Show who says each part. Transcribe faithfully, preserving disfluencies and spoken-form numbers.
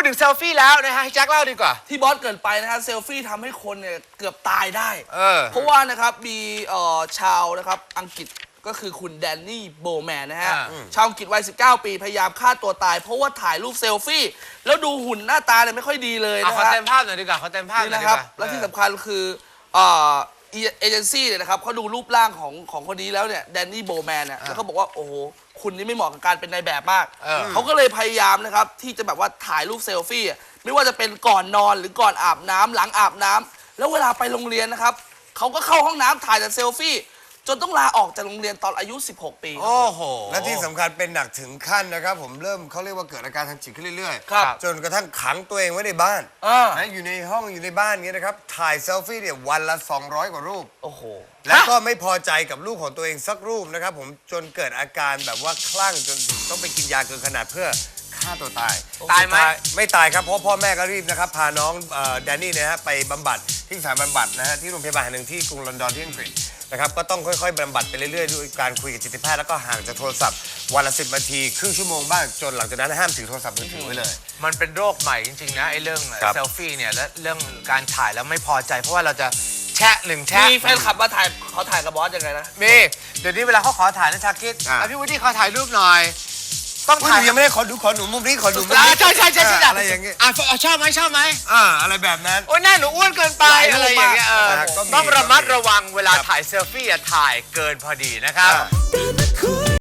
Speaker 1: ถึงเซลฟี่แล้วนะฮะให้แจ็คเล่าดีกว่า
Speaker 2: ที่บอสเกินไปนะฮะเซลฟี่ทำให้คนเนี่ยเกือบตายได้เอ
Speaker 1: อ
Speaker 2: เพราะว่านะครับมีเอ่อชาวนะครับอังกฤษก็คือคุณแดนนี่โบแมนนะฮะชาวอังกฤษวัยสิบเก้าปีพยายามฆ่าตัวตายเพราะว่าถ่ายรูปเซลฟี่แล้วดูหุ่นหน้าตาเนี่ยไม่ค่อยดีเลยนะ
Speaker 1: ครั
Speaker 2: บขอ
Speaker 1: เต็มภาพหน่อยดีกว่าขอเต็มภาพหน่อยดีกว่า
Speaker 2: และที่สำคัญคือเอ่อเอเจนซี่เนี่ยนะครับเขาดูรูปร่างของของคนนี้แล้วเนี่ยแดนนี่โบแมนเนี่ยแล้วเขาบอกว่าโอ้โหคุณนี่ไม่เหมาะกับการเป็นนายแบบมากเขาก็เลยพยายามนะครับที่จะแบบว่าถ่ายรูปเซลฟี่ไม่ว่าจะเป็นก่อนนอนหรือก่อนอาบน้ำหลังอาบน้ำแล้วเวลาไปโรงเรียนนะครับเขาก็เข้าห้องน้ำถ่ายแต่เซลฟี่จนต้องลาออกจากโรงเรียนตอนอายุสิบหกปี
Speaker 1: โอ้โห
Speaker 3: และที่สำคัญเป็นหนักถึงขั้นนะครับผมเริ่มเขาเรียกว่าเกิดอาการทางจิตขึ้นเรื่อยๆจนกระทั่งขังตัวเองไว้ในบ้านนะอยู่ในห้องอยู่ในบ้านเงี้ยนะครับถ่ายเซลฟี่เนี่ยวันละสองร้อยกว่ารูป
Speaker 2: โอ้โห
Speaker 3: แล้วก็ไม่พอใจกับรูปของตัวเองสักรูปนะครับผมจนเกิดอาการแบบว่าคลั่งจนถึงต้องไปกินยาเกินขนาดเพื่อฆ่าตัวตาย
Speaker 1: ตายไหม
Speaker 3: ไม่ตายครับเพราะพ่อแม่ก็รีบนะครับพาน้องแดนนี่นะฮะไปบำบัดที่สถานบำบัดนะฮะที่โรงพยาบาลแห่งหนึ่งที่กรุงลอนดอนที่อังกฤษนะครับก็ต้องค่อยๆบำบัดไปเรื่อยๆด้วยการคุยกับจิตแพทย์แล้วก็ห่างจากโทรศัพท์วันละสิบนาทีครึ่งชั่วโมงบ้างจนหลังจากนั้นห้ามถือโทรศัพท์มือถือไว้เลย
Speaker 1: มันเป็นโรคใหม่จริงๆนะไอ้เรื่องเซลฟี่เนี่ยและเรื่องการถ่ายแล้วไม่พอใจเพราะว่าเราจะแชะหนึ่งแชะ
Speaker 2: มีแฟนคลับมาถ่ายเขาถ่ายกับบอสยังไงนะ
Speaker 1: มีเดี๋ยวนี้เวลาเขาขอถ่ายนะชาคิดพี่วุฒิขอถ่ายรูปหน่อย
Speaker 3: ต้องถ่ายยังไม่ได้ขอดูขอหนูมุมนี้ขอดูมุมนี้
Speaker 1: ใช่ใช่ใช่ใช่
Speaker 3: อะไรอย่างเงี้ย
Speaker 1: อ่ะชอบไหมชอบไหม
Speaker 3: อ่าอะไรแบบนั้น
Speaker 1: โอ้ยหน้าหนูอ้วนเกินไปอะไรอย่างเงี้ยต้องระมัดระวังเวลาถ่ายเซลฟี่อย่าถ่ายเกินพอดีนะครับ